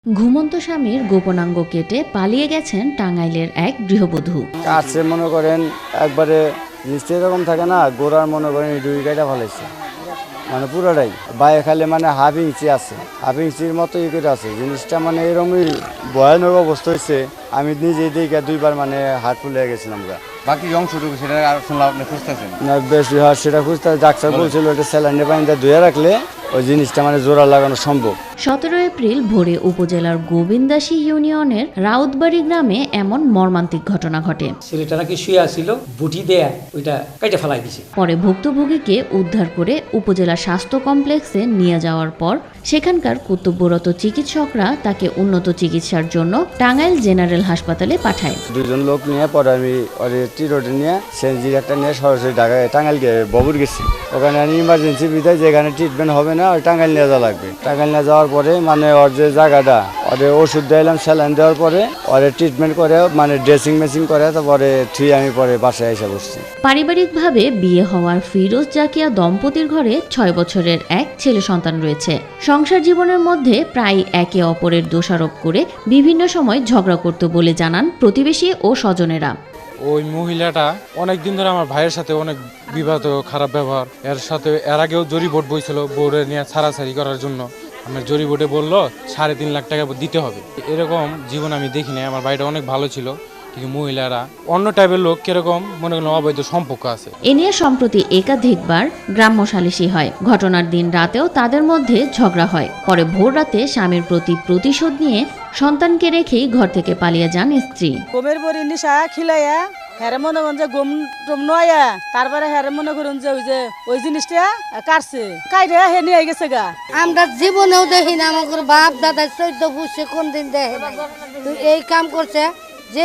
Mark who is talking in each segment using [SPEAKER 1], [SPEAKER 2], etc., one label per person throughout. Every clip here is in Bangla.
[SPEAKER 1] ঘুমন্ত স্বামীর গোপনাঙ্গ কেটে পালিয়ে গেছেন টাঙ্গাইলের এক গৃহবধূ।
[SPEAKER 2] কাছে মনে করেন একবারে নিশ্চয় এরকম থাকে না, গোড়ার মনে করেন দুই গাইটা ফেলেছে, মানে পুরোটাই বাইরে খালে মানে হাফ ইঞ্চি আছে, হাফ ইঞ্চির মতো ই করে আছে জিনিসটা, মানে এরকমই ভয়ানক অবস্থা হয়েছে। আমি নিজেই দেখে দুইবার মানে হাত ফুলে গেছিলাম।
[SPEAKER 3] বাকি অংশটুকু সেটা আর শুনলাম আপনি খুঁজতেছেন
[SPEAKER 2] না, বেশি হয় সেটা খুঁজতে ডাক্তার বলছিল এটা স্যালাইনে পানিতে ধুয়ে রাখলে ওই জিনিসটা মানে জোড়া লাগানো সম্ভব।
[SPEAKER 1] 17 এপ্রিল ভোরে উপজেলার গোবিন্দাসী ইউনিয়নের রাউতবাড়ি গ্রামে এমন মর্মান্তিক ঘটনা ঘটে।
[SPEAKER 4] ছেলেটা নাকি শুয়ে আসছিল, বুটি দেয়া ওইটা কেটে ফেলাই দিছে।
[SPEAKER 1] পরে ভুক্তভোগীকে উদ্ধার করে উপজেলা স্বাস্থ্য কমপ্লেক্সে নিয়ে যাওয়ার পর সেখানকার কর্তব্যরত চিকিৎসকরা তাকে উন্নত চিকিৎসার জন্য টাঙ্গাইল জেনারেল হাসপাতালে পাঠায়।
[SPEAKER 2] দুজন লোক নিয়ে পরে আমি টি রোডে নিয়ে সেনজির একটা নিয়ে সরাসরি ঢাকায় টাঙ্গাইল ববুর গেছি। ওখানে ইমার্জেন্সি বিধায় যেখানে ট্রিটমেন্ট হবে না ওই টাঙ্গাইল নিয়ে যাওয়া লাগবে। টাঙ্গাইল নিয়ে যাওয়ার পরে মানে ওর যে জায়গাটা ওদের ওষুধ দিলাম, স্যালাইন দেওয়ার পরে ওদের ট্রিটমেন্ট করে মানে ড্রেসিং মেশিন করে, তারপরে আমি পরে বাসায় এসে বসছি।
[SPEAKER 1] পারিবারিকভাবে বিয়ে হওয়ার ফিরোজ জাকিয়া দম্পতির ঘরে 6 বছরের এক ছেলে সন্তান রয়েছে। সংসার জীবনের মধ্যে প্রায় একে অপরের দোষারোপ করে বিভিন্ন সময় ঝগড়া করত বলে জানান প্রতিবেশী ও স্বজনেরা।
[SPEAKER 5] ওই মহিলাটা অনেকদিন ধরে আমার ভাইয়ের সাথে অনেক বিবাদ, খারাপ ব্যবহার। এর আগেও জরি বোর্ড বইছিল বোর্ডে নিয়ে ছাড়াছাড়ি করার জন্য। আমার জরি বোর্ডে বললো 3.5 লাখ টাকা দিতে হবে। এরকম জীবন আমি দেখি নাই। আমার বাড়িটা অনেক ভালো ছিল, কিন্তু মহিলারা অন্য টাইপের লোক, কিরকম মনে করলাম অবৈধ সম্পর্ক আছে।
[SPEAKER 1] এ নিয়ে সম্প্রতি একাধিকবার গ্রাম্য সালিশি হয়। ঘটনার দিন রাতেও তাদের মধ্যে ঝগড়া হয়। পরে ভোর রাতে স্বামীর প্রতি প্রতিশোধ নিয়ে সন্তানকে রেখেই ঘর থেকে পালিয়ে যান স্ত্রী।
[SPEAKER 6] গমের বড়ি নিশা খিলাইয়া হেরে মনে করেন যে গম টম নয়া, তারপরে হেরে মনে করুন যে ওই জিনিসটা কাটছে, কাইরে হে নিয়ে গেছে গা।
[SPEAKER 7] আমরা জীবনেও দেখি না, আমাদের বাপ দাদা 14 বছর কোন দিন দেখে নাই। তো এই কাম করছে যে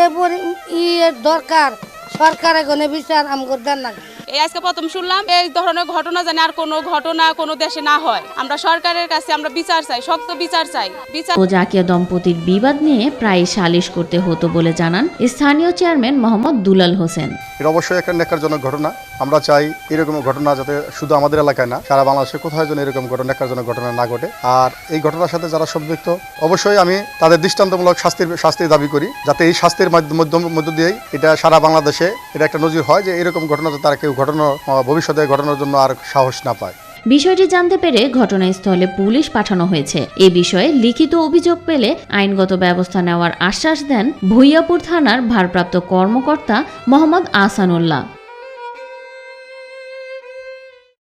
[SPEAKER 7] দরকার সরকার এখানে বিচার আমাদের দেন না।
[SPEAKER 8] এই আজকে প্রথম শুনলাম এই ধরনের ঘটনা, জানি আর কোনো ঘটনা কোনো দেশে না হয়। আমরা সরকারের কাছে আমরা বিচার চাই, শক্ত বিচার চাই।
[SPEAKER 1] ও জাকিয়া দম্পতির বিবাদ নিয়ে প্রায় সালিশ করতে হতো বলে জানান স্থানীয় চেয়ারম্যান মোহাম্মদ দুলাল হোসেন।
[SPEAKER 9] এটা অবশ্যই একটা ন্যাক্কারজনক ঘটনা। আমরা চাই এরকম ঘটনা যাতে শুধু আমাদের এলাকায় না, সারা বাংলাদেশে কোথায় যেন এরকম ন্যাক্কারজনক ঘটনা না ঘটে। আর এই ঘটনার সাথে যারা সম্পৃক্ত অবশ্যই আমি তাদের দৃষ্টান্তমূলক শাস্তির দাবি করি, যাতে এই শাস্তির মধ্য দিয়েই এটা সারা বাংলাদেশে এটা একটা নজির হয় যে এরকম ঘটনা তারা কেউ ভবিষ্যতে ঘটনার জন্য আর সাহস না পায়।
[SPEAKER 1] বিষয়টি জানতে পেরে ঘটনাস্থলে পুলিশ পাঠানো হয়েছে। এ বিষয়ে লিখিত অভিযোগ পেলে আইনগত ব্যবস্থা নেওয়ার আশ্বাস দেন ভূঁইয়াপুর থানার ভারপ্রাপ্ত কর্মকর্তা মোহাম্মদ আহসানুল্লাহ।